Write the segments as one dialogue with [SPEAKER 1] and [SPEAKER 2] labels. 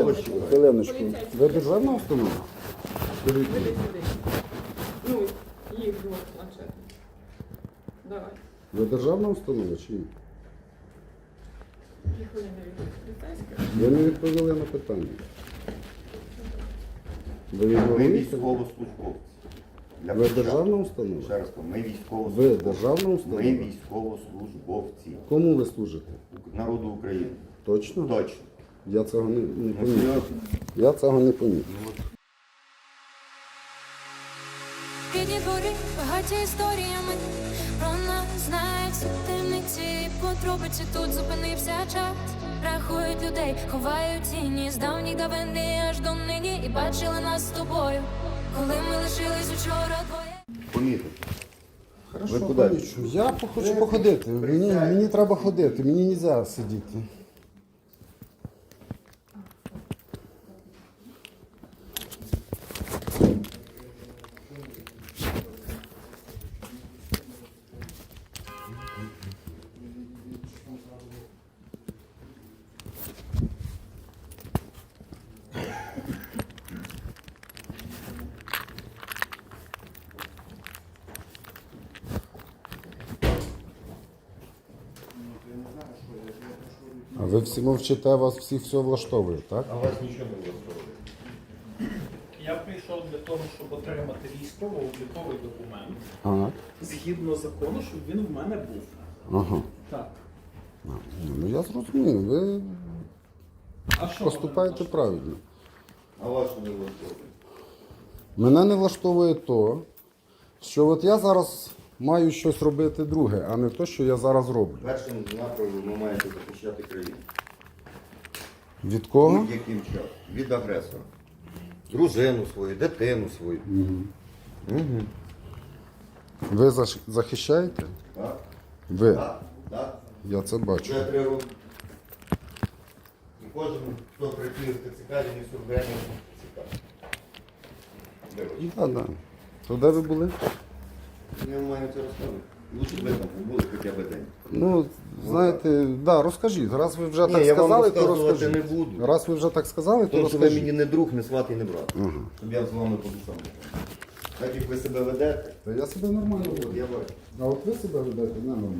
[SPEAKER 1] Хвилиночку. Ви державна установа?
[SPEAKER 2] Веди сюди. Ну, їх двох планшетів. Давай.
[SPEAKER 1] Ви державна установа чи ні?
[SPEAKER 2] Їх вони не поліцейська.
[SPEAKER 1] Ви не відповіли на питання. Ви
[SPEAKER 3] Ми
[SPEAKER 1] відповіли?
[SPEAKER 3] військовослужбовці. Для
[SPEAKER 1] Ви
[SPEAKER 3] початку.
[SPEAKER 1] державна установа?
[SPEAKER 3] Ще раз кажу, ми
[SPEAKER 1] Ви
[SPEAKER 3] військовослужбовці.
[SPEAKER 1] державна установа?
[SPEAKER 3] Ми військовослужбовці
[SPEAKER 1] Кому ви служите?
[SPEAKER 3] народу України.
[SPEAKER 1] Точно?
[SPEAKER 3] Точно.
[SPEAKER 1] Я цього не
[SPEAKER 3] Ну,
[SPEAKER 1] помітив.
[SPEAKER 3] серйозно.
[SPEAKER 1] Я цього не помітив.
[SPEAKER 4] Рідні двори багаті історіями, про нас знають всі темниці, подробиці тут зупинився час. Рахують людей, ховають тіні з давніх давини аж до нині. І бачили нас з тобою, коли ми лишились учора двоє.
[SPEAKER 3] Помітив.
[SPEAKER 1] Хорошо,
[SPEAKER 3] Ви куди?
[SPEAKER 1] помічу. Я хочу походити. Мені треба ходити, мені не можна сидіти. А ви всі мовчите, вас всіх все влаштовує, так?
[SPEAKER 3] А вас нічого не влаштовує.
[SPEAKER 5] Я прийшов для того, щоб отримати військово-обліковий документ,
[SPEAKER 1] Ага.
[SPEAKER 5] згідно закону, щоб він в мене був.
[SPEAKER 1] Ага.
[SPEAKER 5] Так.
[SPEAKER 1] Ну я зрозумів, ви
[SPEAKER 5] А що
[SPEAKER 1] поступаєте
[SPEAKER 5] мене
[SPEAKER 1] правильно.
[SPEAKER 3] А вас що не влаштовує?
[SPEAKER 1] Мене не влаштовує то, що от я зараз маю щось робити друге, а не те, що я зараз роблю.
[SPEAKER 3] Першим напрямом ви маєте захищати країну.
[SPEAKER 1] Від кого?
[SPEAKER 3] Будь-яким часом. Від агресора. Дружину свою, дитину свою.
[SPEAKER 1] Ви захищаєте?
[SPEAKER 3] Так?
[SPEAKER 1] Ви.
[SPEAKER 3] Так? Так?
[SPEAKER 1] Я це бачу.
[SPEAKER 3] Вже 3 роки. І кожен, хто працює в ТЦК, він і сюрвений ТЦК.
[SPEAKER 1] Так, так. То де ви були?
[SPEAKER 3] Я вам маю це розказувати. Лучше б ви там побули хоча б день.
[SPEAKER 1] Ну, знаєте, да, розкажіть. Раз ви вже
[SPEAKER 3] Ні,
[SPEAKER 1] так
[SPEAKER 3] я вам
[SPEAKER 1] сказали, то
[SPEAKER 3] розказувати
[SPEAKER 1] розкажіть.
[SPEAKER 3] не буду.
[SPEAKER 1] Раз ви вже так сказали, то
[SPEAKER 3] Тому що ви
[SPEAKER 1] розкажіть.
[SPEAKER 3] мені не друг, не сват і не брат. Щоб я з вами по душам. Так як ви себе ведете,
[SPEAKER 1] Та я себе нормально
[SPEAKER 3] от
[SPEAKER 1] веду.
[SPEAKER 3] я бачу.
[SPEAKER 1] А от ви себе ведете ненормально.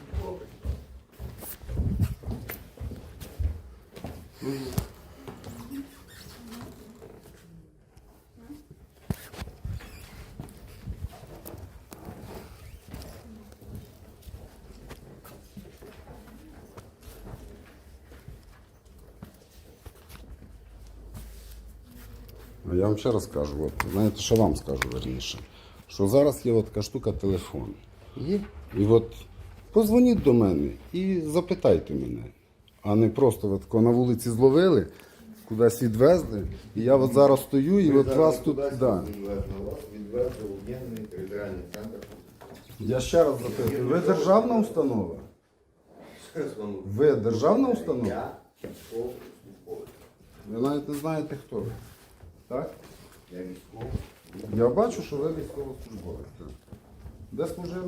[SPEAKER 1] А я вам ще раз кажу, от, знаєте, що вам скажу верніше, що зараз є от така штука телефон.
[SPEAKER 3] Є?
[SPEAKER 1] І от позвоніть до мене і запитайте мене, а не просто от, тако на вулиці зловили, кудись відвезли, і я от зараз стою і от вас тут. Да.
[SPEAKER 3] Відвезли в об'єднаний територіальний центр.
[SPEAKER 1] Я ще раз запитую, ви державна установа?
[SPEAKER 3] Ще раз вам
[SPEAKER 1] Ви державна установа?
[SPEAKER 3] Я військовослужбовець.
[SPEAKER 1] Ви навіть не знаєте, хто ви. Так?
[SPEAKER 3] Я військовий.
[SPEAKER 1] Я бачу, що ви військовослужбовець. так. Де служили?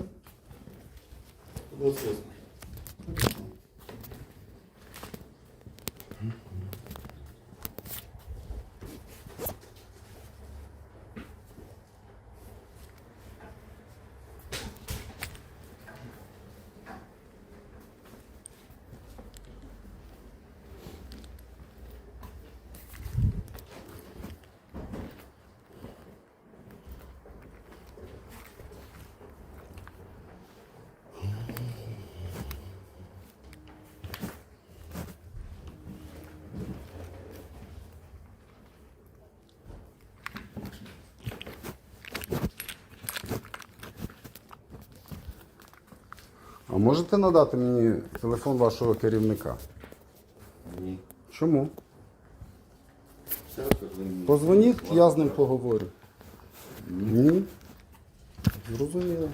[SPEAKER 1] А можете надати мені телефон вашого керівника?
[SPEAKER 3] Ні.
[SPEAKER 1] Чому?
[SPEAKER 3] Ще раз кажу, ви мені-
[SPEAKER 1] Позвоніть, я з ним поговорю. Ні? Зрозуміло.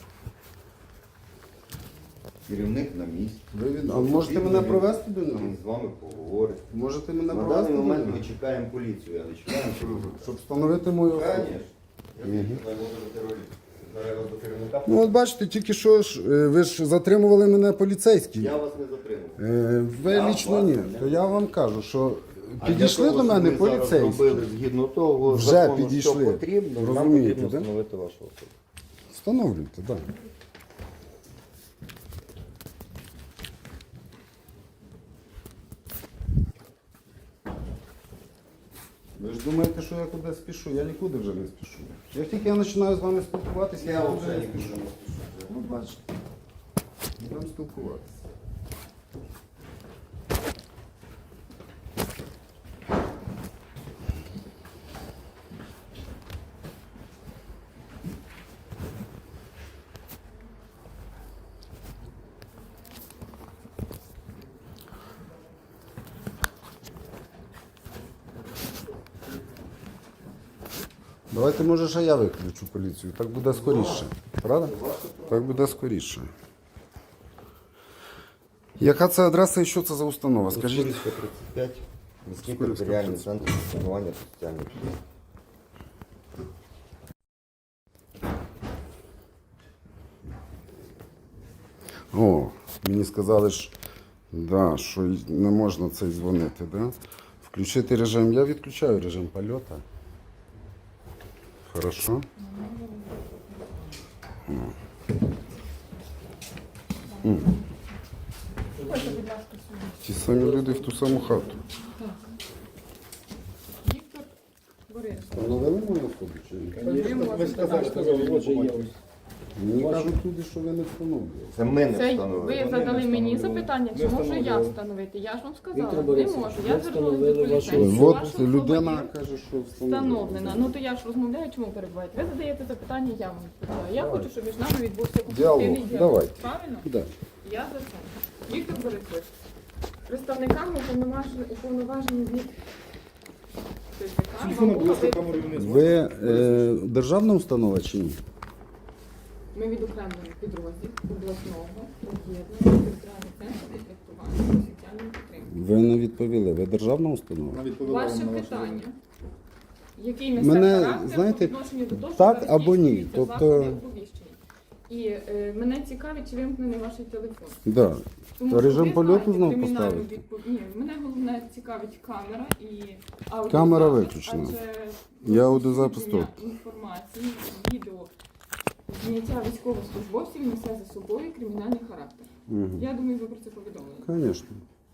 [SPEAKER 3] Керівник на місці.
[SPEAKER 1] А можете мене провести до нього?
[SPEAKER 3] Він з вами поговорить.
[SPEAKER 1] Можете мене
[SPEAKER 3] На
[SPEAKER 1] провести
[SPEAKER 3] даний
[SPEAKER 1] до
[SPEAKER 3] момент
[SPEAKER 1] нього?
[SPEAKER 3] ми чекаємо поліцію, але чекаємо поліцію.
[SPEAKER 1] Щоб встановити мою особу.
[SPEAKER 3] Звісно. Я не можу терорист. Зараз до керівника.
[SPEAKER 1] Ну от бачите, тільки що ж, ви ж затримували мене поліцейські.
[SPEAKER 3] Я вас не затримав.
[SPEAKER 1] Ви
[SPEAKER 3] Я
[SPEAKER 1] лічно
[SPEAKER 3] вас
[SPEAKER 1] ні.
[SPEAKER 3] не
[SPEAKER 1] То я вам кажу, що Підійшли
[SPEAKER 3] для того,
[SPEAKER 1] до мене
[SPEAKER 3] щоб ми зараз
[SPEAKER 1] поліцейські.
[SPEAKER 3] зробили згідно того
[SPEAKER 1] Вже
[SPEAKER 3] закону,
[SPEAKER 1] підійшли.
[SPEAKER 3] що потрібно, нам
[SPEAKER 1] Розумієте,
[SPEAKER 3] потрібно
[SPEAKER 1] да?
[SPEAKER 3] встановити вашу особу.
[SPEAKER 1] Встановлюйте, так. Ви ж думаєте, що я кудись спішу? Я нікуди вже не спішу. Як тільки я починаю з вами спілкуватися, я вже не спішу. Ну, бачите. Будемо спілкуватися. Давайте, може, ще я виключу поліцію. Так буде скоріше. Правда? Так буде скоріше. Яка це адреса і що це за установа? Скажіть.
[SPEAKER 3] Скорівська 35, міський територіальний центр функціонування соціальних служб.
[SPEAKER 1] О, мені сказали, да, що не можна цей дзвонити, да? Включити режим. Я відключаю режим польоту. Хорошо.
[SPEAKER 2] Ходьте, будь ласка, сюди.
[SPEAKER 1] Ті самі люди в ту саму хату.
[SPEAKER 2] Віктор Борисович.
[SPEAKER 1] Встановили мою особу чи ні?
[SPEAKER 2] Ви можете так.
[SPEAKER 1] Мені кажуть люди, що ви не встановлюєте.
[SPEAKER 3] Це ми не
[SPEAKER 2] Це
[SPEAKER 3] встановили.
[SPEAKER 2] ви задали мені запитання, чи можу я встановити. Я ж вам сказала, не можу. Я звернулася до поліцейських.
[SPEAKER 1] От
[SPEAKER 2] Ваша особа
[SPEAKER 1] людина
[SPEAKER 2] є
[SPEAKER 1] каже, що
[SPEAKER 2] встановлена. Ну то я ж розмовляю, чому перебуваєте? Ви задаєте запитання, я вам відповідаю. Я хочу, щоб між нами відбувся конструктивний
[SPEAKER 1] Діалог.
[SPEAKER 2] діалог.
[SPEAKER 1] Давайте.
[SPEAKER 2] Правильно?
[SPEAKER 1] Да.
[SPEAKER 2] Я за це. Віктор Борисович, представниками уповноважені від ТЦК вам було
[SPEAKER 1] Ви державна установа чи ні?
[SPEAKER 2] Ми відокремлені підрозділ обласного об'єднаного територіального центру комплектування соціальної підтримки.
[SPEAKER 1] Ви не відповіли. Ви державна установа?
[SPEAKER 2] Ваше питання, який несе
[SPEAKER 1] Мене,
[SPEAKER 2] характер
[SPEAKER 1] знаєте,
[SPEAKER 2] по відношенню до того,
[SPEAKER 1] так
[SPEAKER 2] що ви
[SPEAKER 1] або ні.
[SPEAKER 2] здійснюєте
[SPEAKER 1] Тобто-
[SPEAKER 2] заходи оповіщення. І мене цікавить, чи вимкнений ваш телефон.
[SPEAKER 1] Да.
[SPEAKER 2] Тому
[SPEAKER 1] То
[SPEAKER 2] що
[SPEAKER 1] режим
[SPEAKER 2] ви
[SPEAKER 1] польоту
[SPEAKER 2] знаєте
[SPEAKER 1] знов
[SPEAKER 2] кримінальну
[SPEAKER 1] поставити?
[SPEAKER 2] Ні, мене головне цікавить камера і аудіозапис.
[SPEAKER 1] Камера виключена.
[SPEAKER 2] адже
[SPEAKER 1] Я аудіозапис тут.
[SPEAKER 2] інформації, відео, зняття військовослужбовців несе за собою кримінальний характер. Я думаю, ви про це повідомили.
[SPEAKER 1] Звісно.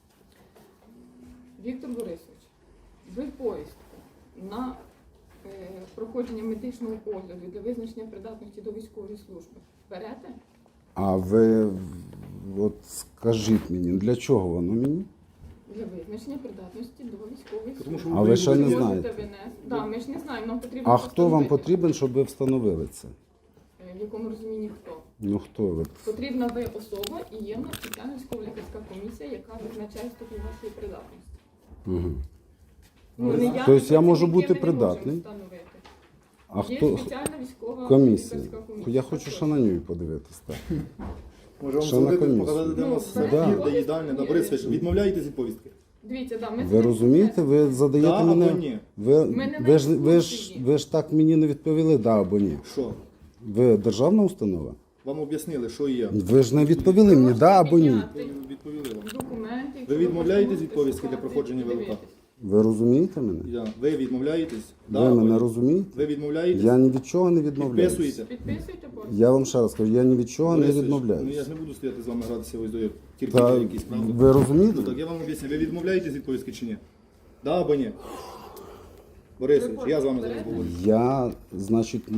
[SPEAKER 2] Віктор Борисович, ви повістку на проходження медичного огляду для визначення придатності до військової служби берете?
[SPEAKER 1] А ви от скажіть мені, для чого воно мені?
[SPEAKER 2] Для визначення придатності до військової
[SPEAKER 6] Тому що
[SPEAKER 2] служби.
[SPEAKER 1] А ви ще не
[SPEAKER 2] Можете
[SPEAKER 1] знаєте.
[SPEAKER 2] винести. Так, ми ж не знаємо, нам потрібно
[SPEAKER 1] А хто вам
[SPEAKER 2] постановити.
[SPEAKER 1] потрібен, щоб ви встановили це?
[SPEAKER 2] В якому розумінні хто?
[SPEAKER 1] Ну хто ви?
[SPEAKER 2] Потрібна ви особа і є в нас спеціальна військово-лікарська комісія, яка визначає ступінь вашої придатності.
[SPEAKER 1] Угу.
[SPEAKER 2] Ну, не я,
[SPEAKER 1] Тобто
[SPEAKER 2] не
[SPEAKER 1] я можу
[SPEAKER 2] працівники,
[SPEAKER 1] бути
[SPEAKER 2] ми не
[SPEAKER 1] придатний?
[SPEAKER 2] можемо встановити.
[SPEAKER 1] А
[SPEAKER 2] Є
[SPEAKER 1] хто?
[SPEAKER 2] спеціальна військова
[SPEAKER 1] Комісія.
[SPEAKER 2] лікарська комісія.
[SPEAKER 1] Я хочу ще на нього подивитися. Так.
[SPEAKER 6] Може вам
[SPEAKER 1] Ще на
[SPEAKER 6] зробити,
[SPEAKER 1] комісію.
[SPEAKER 6] показати, де у
[SPEAKER 2] Ну,
[SPEAKER 6] нас
[SPEAKER 2] це
[SPEAKER 1] Да.
[SPEAKER 6] збір, де їдальня, да, Борисович, відмовляєтесь від повістки?
[SPEAKER 2] Дивіться, да, ми
[SPEAKER 1] Ви
[SPEAKER 2] це не
[SPEAKER 1] розумієте, ви задаєте
[SPEAKER 6] Да або
[SPEAKER 1] мене.
[SPEAKER 6] ні?
[SPEAKER 2] Ми не на екскурсії.
[SPEAKER 1] Ви ж так мені не відповіли, да або ні.
[SPEAKER 6] Що?
[SPEAKER 1] Ви державна установа?
[SPEAKER 6] Вам об'яснили, що є.
[SPEAKER 1] Ви ж не відповіли мені, да або ні.
[SPEAKER 6] Відповіли вам.
[SPEAKER 2] документи.
[SPEAKER 6] Ви відмовляєтесь від повістки для проходження ВЛК?
[SPEAKER 1] Ви розумієте мене?
[SPEAKER 6] Ви відмовляєтесь? Да
[SPEAKER 1] Ви
[SPEAKER 6] або
[SPEAKER 1] мене
[SPEAKER 6] ні?
[SPEAKER 1] розумієте?
[SPEAKER 6] Ви відмовляєтесь?
[SPEAKER 1] Я ні від чого не відмовляюсь.
[SPEAKER 6] Підписуєте?
[SPEAKER 2] Підписуйте повістку.
[SPEAKER 1] Я вам ще раз кажу, я ні від чого не
[SPEAKER 6] Борисович, ну я
[SPEAKER 1] відмовляюсь.
[SPEAKER 6] ж не буду стояти з вами гратися ось до
[SPEAKER 1] Та
[SPEAKER 6] терпіння якісь, правда?
[SPEAKER 1] ви розумієте?
[SPEAKER 6] Ну так, я вам об'ясню. Ви відмовляєтесь від повістки чи ні? Да або ні? Борисович, я з вами зараз говорю.
[SPEAKER 1] Я, значить,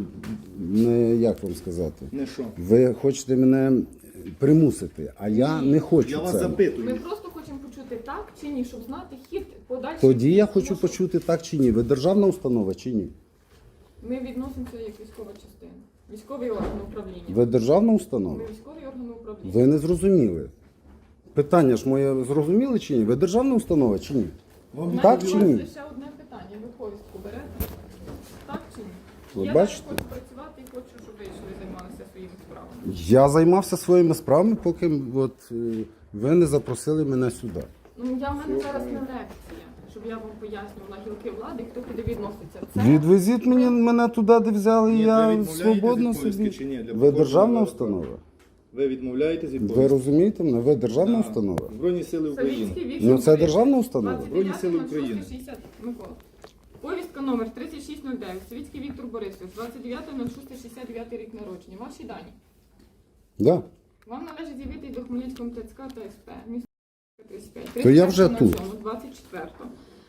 [SPEAKER 1] не як вам сказати.
[SPEAKER 6] Не що?
[SPEAKER 1] Ви хочете мене примусити, а я не хочу
[SPEAKER 6] Я вас
[SPEAKER 1] це.
[SPEAKER 2] Ми
[SPEAKER 6] запитую.
[SPEAKER 2] просто хочемо почути так чи ні, щоб знати хід подальших.
[SPEAKER 1] Тоді я
[SPEAKER 2] дій.
[SPEAKER 1] хочу
[SPEAKER 2] Тому що
[SPEAKER 1] почути так чи ні. Ви державна установа чи ні?
[SPEAKER 2] Ми відносимося як військова частина. Військовий орган управління.
[SPEAKER 1] Ви державна установа?
[SPEAKER 2] Ми військовий орган управління.
[SPEAKER 1] Ви не зрозуміли. Питання ж моє зрозуміли чи ні? Ви державна установа чи ні?
[SPEAKER 6] Вам
[SPEAKER 1] Так
[SPEAKER 2] У
[SPEAKER 1] чи
[SPEAKER 2] вас
[SPEAKER 1] ні?
[SPEAKER 2] лише одне питання. Ви повістку берете? Так чи ні?
[SPEAKER 1] Ви
[SPEAKER 2] Я
[SPEAKER 1] бачите?
[SPEAKER 2] далі хочу працювати і хочу, щоб ви йшли займалися своїми справами.
[SPEAKER 1] Я займався своїми справами, поки ви не запросили мене сюди.
[SPEAKER 2] Ну, в мене зараз не лекція, щоб я вам пояснювала гілки влади, хто куди відноситься.
[SPEAKER 1] Відвезіть мене туди, де взяли, і
[SPEAKER 6] Ні, ви
[SPEAKER 1] я
[SPEAKER 6] відмовляєтесь
[SPEAKER 1] свободно
[SPEAKER 6] від повістки
[SPEAKER 1] собі.
[SPEAKER 6] чи ні? Для
[SPEAKER 1] Ви
[SPEAKER 6] проходження
[SPEAKER 1] державна
[SPEAKER 6] ВЛК?
[SPEAKER 1] установа?
[SPEAKER 6] Ви відмовляєтесь від
[SPEAKER 1] Ви
[SPEAKER 6] повістки?
[SPEAKER 1] розумієте мене? Ви державна
[SPEAKER 6] Так.
[SPEAKER 1] установа?
[SPEAKER 6] Збройні сили України.
[SPEAKER 2] Савіцький Віктор
[SPEAKER 1] Ну це
[SPEAKER 2] Борисович.
[SPEAKER 1] державна установа?
[SPEAKER 2] 29.06.60.
[SPEAKER 6] Збройні сили України.
[SPEAKER 2] Микола. Повістка номер 3609. Савіцький Віктор Борисович. 29.06.69 рік народження. Ваші дані.
[SPEAKER 1] Да.
[SPEAKER 2] Вам належить з'явитись до Хмельницького ТЦК та СП. Місто 35.
[SPEAKER 1] То я вже тут.
[SPEAKER 2] 24.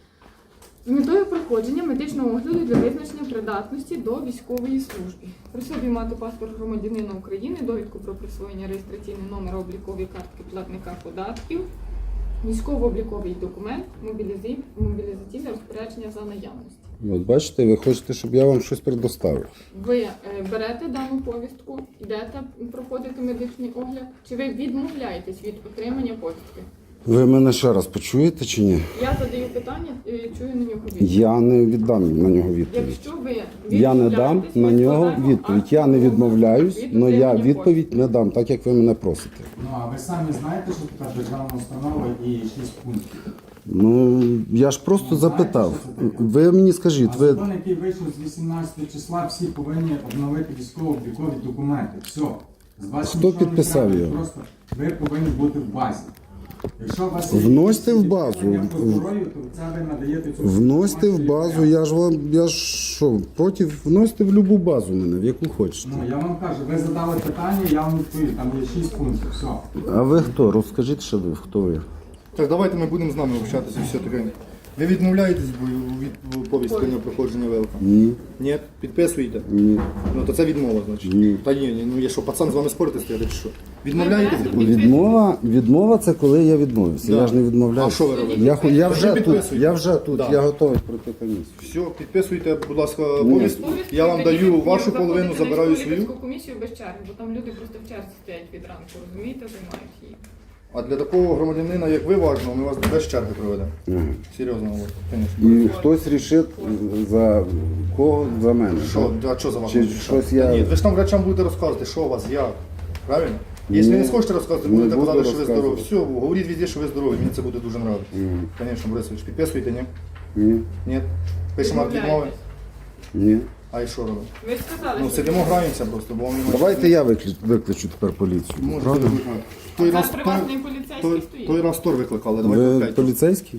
[SPEAKER 2] З метою проходження медичного огляду для визначення придатності до військової служби. При собі мати паспорт громадянина України, довідку про присвоєння реєстраційний номер облікової картки платника податків, військово-обліковий документ, мобілізаційне розпорядження за наявності.
[SPEAKER 1] От бачите, ви хочете, щоб я вам щось предоставив.
[SPEAKER 2] Ви берете дану повістку, йдете проходити медичний огляд, чи ви відмовляєтесь від отримання повістки?
[SPEAKER 1] Ви мене ще раз почуєте чи ні?
[SPEAKER 2] Я задаю питання, чую на нього відповідь.
[SPEAKER 1] Я не віддам на нього відповідь.
[SPEAKER 2] Якщо ви
[SPEAKER 1] Я не дам
[SPEAKER 2] відмовляєтесь,
[SPEAKER 1] на
[SPEAKER 2] ми
[SPEAKER 1] нього
[SPEAKER 2] складаємо
[SPEAKER 1] відповідь.
[SPEAKER 2] акт
[SPEAKER 1] Я не
[SPEAKER 2] відмови
[SPEAKER 1] відмовляюсь,
[SPEAKER 2] від
[SPEAKER 1] але я
[SPEAKER 2] отримання
[SPEAKER 1] відповідь не дам, так як ви мене просите.
[SPEAKER 7] Ну, а ви самі знаєте, що така державна установа і 6 пунктів.
[SPEAKER 1] Ну, я ж просто запитав. Ви мені скажіть,
[SPEAKER 7] А
[SPEAKER 1] ви
[SPEAKER 7] закон, який вийшов з 18 числа, всі повинні обновити військово-облікові документи. Все. З вас
[SPEAKER 1] Хто
[SPEAKER 7] нічого не
[SPEAKER 1] підписав
[SPEAKER 7] треба,
[SPEAKER 1] його?
[SPEAKER 7] Просто ви повинні бути в базі. Якщо у вас є
[SPEAKER 1] Вносьте
[SPEAKER 7] якісь
[SPEAKER 1] в базу.
[SPEAKER 7] питання по здоров'ю, то це ви надаєте цю
[SPEAKER 1] вносите в
[SPEAKER 7] інформацію,
[SPEAKER 1] базу, я ж що, проти, вносите в будь-яку базу мене, в яку хочете.
[SPEAKER 7] Ну, я вам кажу, ви задали питання, я вам відповів, там є 6 пунктів, все.
[SPEAKER 1] А ви хто? Розкажіть, що ви, хто ви?
[SPEAKER 6] Так, давайте ми будемо з нами общатися все таке. Ви відмовляєтесь від повістки на проходження ВЛК?
[SPEAKER 1] Ні,
[SPEAKER 6] Ні? Підписуєте?
[SPEAKER 1] ні.
[SPEAKER 6] Ну то це відмова, значить.
[SPEAKER 1] Ні.
[SPEAKER 6] Та ні, ну я що, пацан з вами спорити стояти чи що? Відмовляєтесь?
[SPEAKER 1] Відмова це коли я відмовився.
[SPEAKER 6] Да.
[SPEAKER 1] Я ж не відмовляюся.
[SPEAKER 6] А що ви робите?
[SPEAKER 1] Я вже
[SPEAKER 6] Ви
[SPEAKER 1] тут,
[SPEAKER 6] підписуєте?
[SPEAKER 1] я вже тут,
[SPEAKER 6] Да.
[SPEAKER 1] я готовий пройти комісію.
[SPEAKER 6] Все, підписуйте, будь ласка, повістку. Я вам даю вашу половину, забираю свою.
[SPEAKER 2] комісію без черги, бо там люди просто в черзі стоять від ранку, розумієте, займають її.
[SPEAKER 6] А для такого громадянина, як ви, важливо, ми вас без черги проведемо. Серйозно, звісно.
[SPEAKER 1] І хтось рішить за кого? За мене.
[SPEAKER 6] А що за вас?
[SPEAKER 1] Чи щось я-
[SPEAKER 6] Ні, ви ж там врачам будете розказувати, що у вас, як. Правильно? Якщо ви не схочете розказувати, будете
[SPEAKER 1] не буду
[SPEAKER 6] казати, що ви здорові.
[SPEAKER 1] розказувати.
[SPEAKER 6] Все, говоріть везде, що ви здорові, мені це буде дуже нравитися. Звісно, Борисович, підписуєте, ні?
[SPEAKER 1] Ні,
[SPEAKER 6] Ні? Пишемо акт відмови.
[SPEAKER 1] ні.
[SPEAKER 6] А і що робимо?
[SPEAKER 2] Ви ж сказали,
[SPEAKER 6] Ну,
[SPEAKER 2] що
[SPEAKER 6] сидимо, граємося просто, бо вам немає.
[SPEAKER 1] Давайте я викличу тепер поліцію.
[SPEAKER 6] Можете
[SPEAKER 1] Правда?
[SPEAKER 6] викликати. Той
[SPEAKER 2] це
[SPEAKER 6] раз,
[SPEAKER 2] приватний поліцейський стоїть.
[SPEAKER 6] той раз Тор викликали, давай
[SPEAKER 1] Ви
[SPEAKER 6] викликайте.
[SPEAKER 1] поліцейський?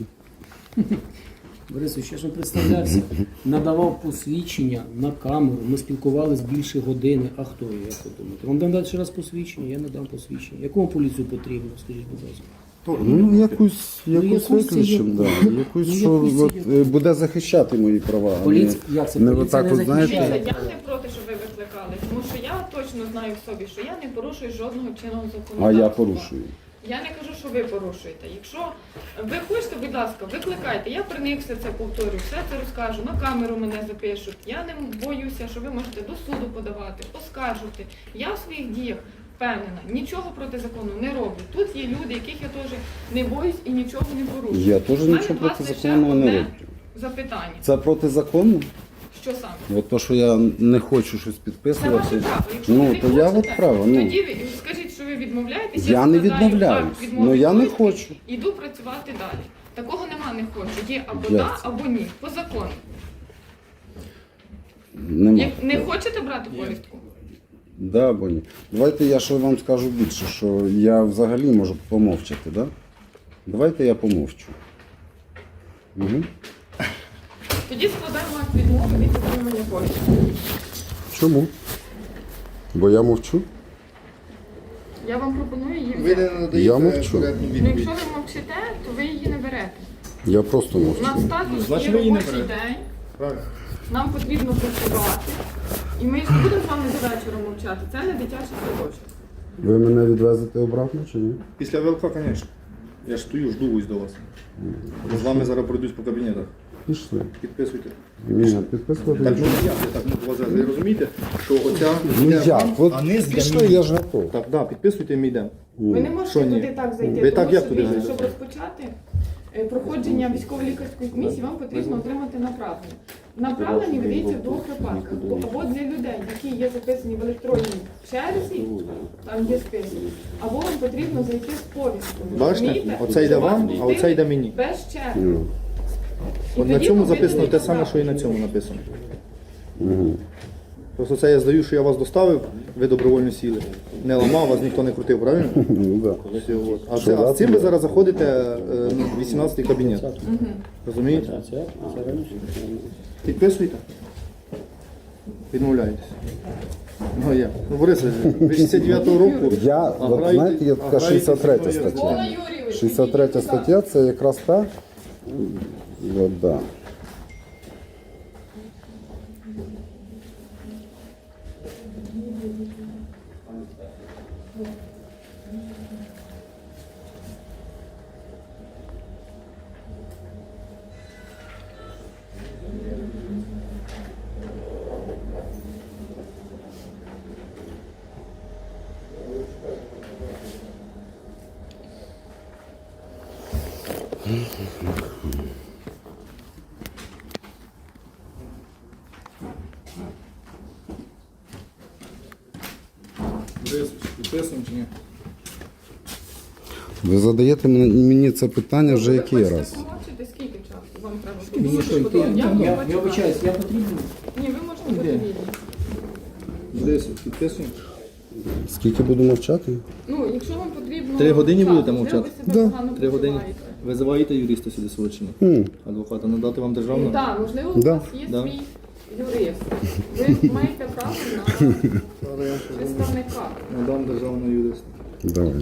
[SPEAKER 8] Борисович, я ж вам представлявся, надавав посвідчення на камеру, ми спілкувалися більше години. А хто я, як ви думаєте? Вам дам далі ще раз посвідчення, я надам посвідчення. Яку вам поліцію потрібно, скажіть, будь ласка?
[SPEAKER 1] Ну, якусь
[SPEAKER 8] якусь
[SPEAKER 1] викличемо,
[SPEAKER 8] це
[SPEAKER 1] да. Якусь,
[SPEAKER 8] Ну,
[SPEAKER 1] що
[SPEAKER 8] якусь це
[SPEAKER 1] от, буде захищати мої права. а не-
[SPEAKER 8] Поліція, як це?
[SPEAKER 1] не
[SPEAKER 8] Поліція
[SPEAKER 1] отак
[SPEAKER 8] не
[SPEAKER 1] от, знаєте.
[SPEAKER 8] захищає.
[SPEAKER 2] Дивіться, я не проти, щоб ви викликали, тому що я точно знаю в собі, що я не порушую жодного чинного законодавства.
[SPEAKER 1] А я порушую.
[SPEAKER 2] Я не кажу, що ви порушуєте. Якщо ви хочете, будь ласка, викликайте. Я при них все це повторю, все це розкажу, на камеру мене запишуть. Я не боюся, що ви можете до суду подавати, оскаржувати. Я в своїх діях впевнена, нічого проти закону не роблю. Тут є люди, яких я теж не боюсь і нічого не порушую.
[SPEAKER 1] Я теж
[SPEAKER 2] У мене
[SPEAKER 1] нічого
[SPEAKER 2] до вас
[SPEAKER 1] проти
[SPEAKER 2] лише
[SPEAKER 1] закону не
[SPEAKER 2] одне
[SPEAKER 1] роблю.
[SPEAKER 2] запитання.
[SPEAKER 1] Це протизаконно?
[SPEAKER 2] Що саме?
[SPEAKER 1] От то, що я не хочу щось
[SPEAKER 2] Це
[SPEAKER 1] підписувати.
[SPEAKER 2] ваше право. Якщо ви
[SPEAKER 1] Ну,
[SPEAKER 2] не
[SPEAKER 1] то я
[SPEAKER 2] хочете,
[SPEAKER 1] от право. Ну.
[SPEAKER 2] тоді ви скажіть, що ви відмовляєтесь.
[SPEAKER 1] Я не
[SPEAKER 2] складаю
[SPEAKER 1] відмовляюсь.
[SPEAKER 2] акт відмови
[SPEAKER 1] Ну я не
[SPEAKER 2] повістки,
[SPEAKER 1] хочу.
[SPEAKER 2] Іду працювати далі. Такого нема, не хочу. Є або
[SPEAKER 1] Як
[SPEAKER 2] да,
[SPEAKER 1] це?
[SPEAKER 2] або ні. По закону.
[SPEAKER 1] Нема.
[SPEAKER 2] Як не хочете брати повістку?
[SPEAKER 1] Да, або ні. Давайте я ще вам скажу більше, що я взагалі можу помовчати, да? Давайте я помовчу. Угу.
[SPEAKER 2] Тоді складаємо акт відмови від отримання повістки.
[SPEAKER 1] Чому? Бо я мовчу?
[SPEAKER 2] Я вам пропоную її
[SPEAKER 6] Ви не
[SPEAKER 2] взяти.
[SPEAKER 6] надаєте
[SPEAKER 1] Я мовчу.
[SPEAKER 6] коректну
[SPEAKER 2] Ну,
[SPEAKER 6] відповідь.
[SPEAKER 2] якщо ви мовчите, то ви її не берете.
[SPEAKER 1] Я просто
[SPEAKER 2] У
[SPEAKER 1] мовчу.
[SPEAKER 2] нас також
[SPEAKER 6] Значить,
[SPEAKER 2] є
[SPEAKER 6] ви її не
[SPEAKER 2] робочий
[SPEAKER 6] берете.
[SPEAKER 2] день.
[SPEAKER 6] Правильно.
[SPEAKER 2] Нам потрібно працювати. І ми ж будемо з вами до вечора мовчати. Це не дитячий садочок.
[SPEAKER 1] Ви мене відвезете обратно чи ні?
[SPEAKER 6] Після ВЛК, звісно. Я ж стою, жду ось до вас. Бо з вами зараз пройдусь по кабінетах.
[SPEAKER 1] Пішли.
[SPEAKER 6] Підписуйте.
[SPEAKER 1] Ні, підписувати.
[SPEAKER 6] Так,
[SPEAKER 1] нічого.
[SPEAKER 6] ну я так можу вас зараз. Ви розумієте, що оця...
[SPEAKER 1] Ну
[SPEAKER 6] йде
[SPEAKER 1] як?
[SPEAKER 6] вам,
[SPEAKER 1] От
[SPEAKER 6] а низ для
[SPEAKER 1] пішли,
[SPEAKER 6] мене.
[SPEAKER 1] я ж готов.
[SPEAKER 6] Так, да, підписуйте, ми йдемо.
[SPEAKER 2] Ви не можете
[SPEAKER 6] Що ні?
[SPEAKER 2] туди так зайти,
[SPEAKER 6] Ви
[SPEAKER 2] тому
[SPEAKER 6] так як
[SPEAKER 2] що
[SPEAKER 6] туди
[SPEAKER 2] дивіться,
[SPEAKER 6] зайдете?
[SPEAKER 2] щоб розпочати проходження військово-лікарської комісії, вам потрібно отримати направлення. Направлення видається в двох випадках. Або для людей, які є записані в електронній черзі, там є список, або вам потрібно зайти з повісткою.
[SPEAKER 6] Бачите?
[SPEAKER 2] Розумієте?
[SPEAKER 6] Оце йде
[SPEAKER 2] Щоб вас
[SPEAKER 6] вам, а
[SPEAKER 2] пустили
[SPEAKER 6] оце йде мені.
[SPEAKER 2] Без черги.
[SPEAKER 1] Ну,
[SPEAKER 2] І
[SPEAKER 6] От на
[SPEAKER 2] тоді
[SPEAKER 6] цьому
[SPEAKER 2] ви
[SPEAKER 6] записано те
[SPEAKER 2] видаєте
[SPEAKER 6] саме, що і на
[SPEAKER 2] направлення.
[SPEAKER 6] цьому написано. Просто це я здаю, що я вас доставив, ви добровольно сіли. Не ламав, вас ніхто не крутив, правильно?
[SPEAKER 1] Ну, да.
[SPEAKER 6] Все, от. А з цим ви зараз заходите в 18-й кабінет. Розумієте? Підписуєте? Відмовляєтесь. Ну як? Ну, Борис, ви 69-го року.
[SPEAKER 1] Я,
[SPEAKER 6] а
[SPEAKER 1] от,
[SPEAKER 6] граєте-
[SPEAKER 1] знаєте, є
[SPEAKER 6] а
[SPEAKER 1] така
[SPEAKER 6] граєте
[SPEAKER 1] 63
[SPEAKER 6] зі мною.
[SPEAKER 1] стаття. 63 стаття це якраз та. От, да.
[SPEAKER 6] Борис, підписуємо чи ні?
[SPEAKER 1] Ви задаєте мені це питання вже який
[SPEAKER 2] Ви
[SPEAKER 1] раз?
[SPEAKER 2] хочете помовчати, скільки часу вам треба?
[SPEAKER 8] Мені що, йти? Я вибачаюсь, я потрібен.
[SPEAKER 2] Ні, ви можете бути вільні.
[SPEAKER 6] Борис, підписуємо?
[SPEAKER 1] Скільки буду мовчати?
[SPEAKER 2] Ну, якщо вам потрібно...
[SPEAKER 6] 3 години
[SPEAKER 2] час,
[SPEAKER 6] будете
[SPEAKER 2] можливо,
[SPEAKER 6] мовчати?
[SPEAKER 2] ви себе погано
[SPEAKER 6] 3 години.
[SPEAKER 2] почуваєте.
[SPEAKER 6] Визиваєте юриста сюди свого чи ні? Адвоката надати вам державну?
[SPEAKER 2] Так, можливо, у
[SPEAKER 1] Да.
[SPEAKER 2] вас є
[SPEAKER 6] Да.
[SPEAKER 2] свій юрист. Ви маєте право на представника.
[SPEAKER 6] Надам державного юриста.
[SPEAKER 1] Давайте.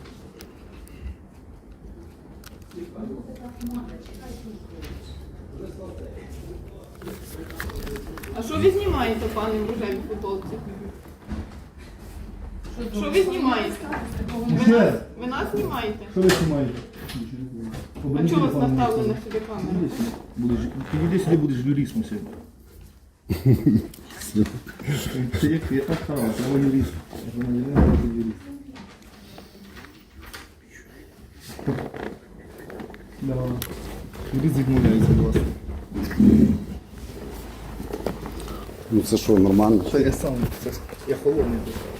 [SPEAKER 2] А що ви знімаєте, пане в рожевій футболці? Що ви знімаєте? Ви нас знімаєте?
[SPEAKER 6] Що ви знімаєте?
[SPEAKER 2] А чого у вас наставлена сюди камера?
[SPEAKER 6] Підійди сюди, будеш юристом сьогодні. Я так сказав, я юрист. Я громадянин, я юрист. Давай. Юрист відмовляється до вас.
[SPEAKER 1] Ну це що, нормально?
[SPEAKER 6] Це я сам, я холодний.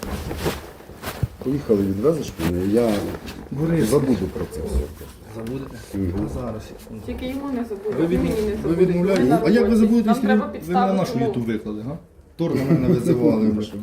[SPEAKER 1] Поїхали, відвезеш мене, і я
[SPEAKER 6] Борис.
[SPEAKER 1] забуду про це все.
[SPEAKER 6] Забудете? Зараз.
[SPEAKER 2] Тільки йому не забудете,
[SPEAKER 6] Ви,
[SPEAKER 2] мені не
[SPEAKER 6] ви
[SPEAKER 2] забудете.
[SPEAKER 6] відмовляєте?
[SPEAKER 2] на
[SPEAKER 6] А як ви
[SPEAKER 2] роботі.
[SPEAKER 6] забудете,
[SPEAKER 2] Нам
[SPEAKER 6] якщо
[SPEAKER 2] треба
[SPEAKER 6] ви на
[SPEAKER 2] підставити
[SPEAKER 6] нашу
[SPEAKER 2] умови.
[SPEAKER 6] ютуб виклали, га? Тор на мене визивали вже.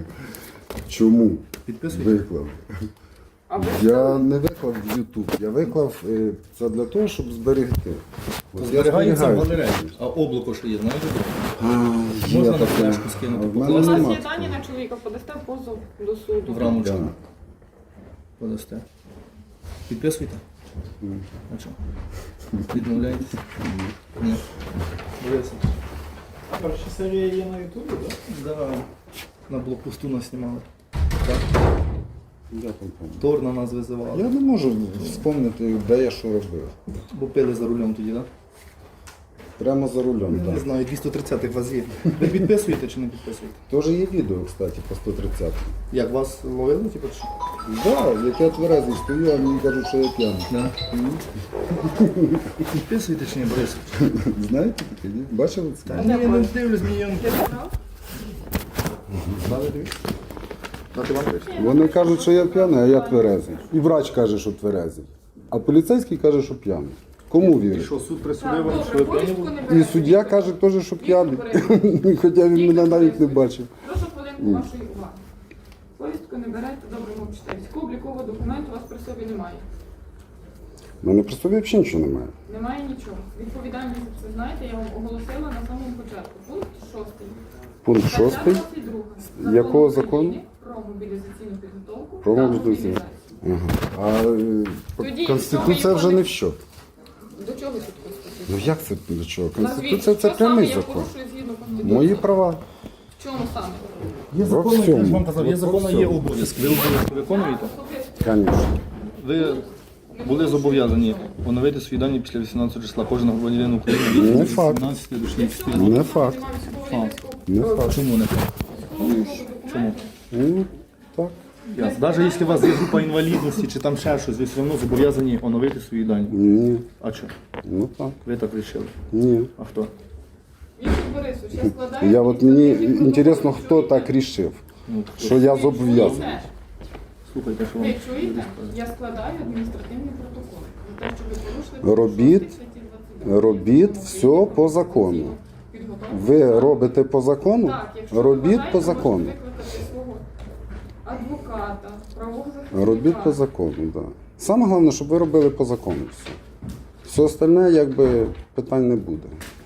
[SPEAKER 1] Чому?
[SPEAKER 6] Підписуйте.
[SPEAKER 1] Виклав.
[SPEAKER 2] А ви
[SPEAKER 1] Я не виклав в YouTube, я виклав це для того, щоб зберегти. От я
[SPEAKER 6] Зберігається в
[SPEAKER 1] зберігаю.
[SPEAKER 6] галереї. А облако що є, знаєте?
[SPEAKER 1] А, є
[SPEAKER 6] Можна на
[SPEAKER 1] таке.
[SPEAKER 6] флешку скинути,
[SPEAKER 1] А в
[SPEAKER 2] У
[SPEAKER 1] мене
[SPEAKER 2] нас
[SPEAKER 1] нема.
[SPEAKER 2] є дані на чоловіка, подасте позов до суду.
[SPEAKER 6] В рамочку.
[SPEAKER 1] Да.
[SPEAKER 6] Подасте. Підписуйте? А що? Відмовляєтесь? Ні. Борис.
[SPEAKER 5] Перша серія є на Ютубі, так?
[SPEAKER 6] Да. На блокпосту нас знімали. Так.
[SPEAKER 1] Я там пам'ятаю.
[SPEAKER 6] Тор на нас визивали.
[SPEAKER 1] Я не можу вспомнити, де я що робив.
[SPEAKER 6] Бо пили за рулем тоді, так?
[SPEAKER 1] Прямо за рулем,
[SPEAKER 6] Не
[SPEAKER 1] так.
[SPEAKER 6] знаю, 230-х вас є. Ви підписуєте чи не підписуєте?
[SPEAKER 1] Теж є відео, кстати, по 130.
[SPEAKER 6] Як вас ловили, типу? чи?
[SPEAKER 1] Так, як я тверезий стою, а мені кажуть, що я п'яний.
[SPEAKER 6] Да. Підписуєте чи ні, Борис?
[SPEAKER 1] Знаєте таке? Ні? Бачили це?
[SPEAKER 6] Та ні, я не дивлюсь, мені он.
[SPEAKER 2] Ти забрав?
[SPEAKER 6] Далі дивіться. Дати вам дивіться.
[SPEAKER 1] Вони кажуть, що я п'яний, а я тверезий. І врач каже, що тверезий. А поліцейський каже, що п'яний. Кому
[SPEAKER 6] І
[SPEAKER 1] вірить?
[SPEAKER 6] що, суд
[SPEAKER 2] Так,
[SPEAKER 6] присудив вам, що
[SPEAKER 2] добре,
[SPEAKER 6] ви п'яні
[SPEAKER 2] повістку
[SPEAKER 6] були?
[SPEAKER 2] не
[SPEAKER 1] І
[SPEAKER 2] берете.
[SPEAKER 1] суддя каже теж, що п'яний. Хоча він мене навіть не бачив.
[SPEAKER 2] Прошу хвилинку вашої уваги. Повістку не берете, добре мовчите. Військово-облікового документу у вас при собі немає.
[SPEAKER 1] У мене при собі взагалі нічого немає.
[SPEAKER 2] Немає нічого. Відповідальність за це знаєте, я вам оголосила на самому початку. Пункт 6.
[SPEAKER 1] Пункт 6.
[SPEAKER 2] Стаття 22.
[SPEAKER 1] Якого
[SPEAKER 2] Закону
[SPEAKER 1] закону?
[SPEAKER 2] України Про мобілізаційну підготовку
[SPEAKER 1] Про
[SPEAKER 2] та
[SPEAKER 1] мобілізацію.
[SPEAKER 2] мобілізацію.
[SPEAKER 1] Ага. А
[SPEAKER 2] Тоді,
[SPEAKER 1] Конституція вже не в що.
[SPEAKER 2] До чого тут Конституція?
[SPEAKER 1] Ну як це до чого?
[SPEAKER 2] Назвіть,
[SPEAKER 1] Конституція це
[SPEAKER 2] що саме
[SPEAKER 1] прямий
[SPEAKER 2] я
[SPEAKER 1] закон.
[SPEAKER 2] порушую згідно Конституції?
[SPEAKER 1] Мої права.
[SPEAKER 2] В чому саме?
[SPEAKER 6] Є
[SPEAKER 1] Во
[SPEAKER 6] закони,
[SPEAKER 1] всьому.
[SPEAKER 6] я ж вам казав, є
[SPEAKER 1] Во
[SPEAKER 6] закони, є
[SPEAKER 1] всьому.
[SPEAKER 6] обов'язки. Ви обов'язки виконуєте?
[SPEAKER 1] Звісно.
[SPEAKER 6] Ви були зобов'язані оновити свої дані після 18 числа. Кожен громадянин України
[SPEAKER 1] Не
[SPEAKER 6] від
[SPEAKER 1] факт.
[SPEAKER 6] 18 до 60.
[SPEAKER 1] Не факт. Не факт.
[SPEAKER 6] Чому не факт? Чому?
[SPEAKER 1] Ну, так.
[SPEAKER 6] Навіть якщо у вас є група інвалідності чи там ще щось, ви все одно зобов'язані оновити свої дані.
[SPEAKER 1] Ні.
[SPEAKER 6] А що?
[SPEAKER 1] Ну так.
[SPEAKER 6] Ви так вирішили?
[SPEAKER 1] Ні.
[SPEAKER 6] А хто?
[SPEAKER 2] Віктор Борисович, я складаю...
[SPEAKER 1] Я от мені
[SPEAKER 2] адміністративний
[SPEAKER 1] інтересно,
[SPEAKER 2] протокол.
[SPEAKER 1] хто так рішив,
[SPEAKER 6] Ну,
[SPEAKER 1] що я зобов'язаний.
[SPEAKER 2] Чуєте?
[SPEAKER 6] слухайте, що вам.
[SPEAKER 2] Ви чуєте? Я складаю адміністративний протокол. За те, що ви порушили
[SPEAKER 1] Робіть.
[SPEAKER 2] статті 22.
[SPEAKER 1] Робіть все по закону.
[SPEAKER 2] Підготовку
[SPEAKER 1] Ви робите по закону?
[SPEAKER 2] Так, якщо ви
[SPEAKER 1] Робіть
[SPEAKER 2] вважаєте,
[SPEAKER 1] по закону.
[SPEAKER 2] можете викликати свого адвоката, правого захисника.
[SPEAKER 1] Робіть по закону, так. Да. Саме головне, щоб ви робили по закону все. Все остальне, якби, питань не буде.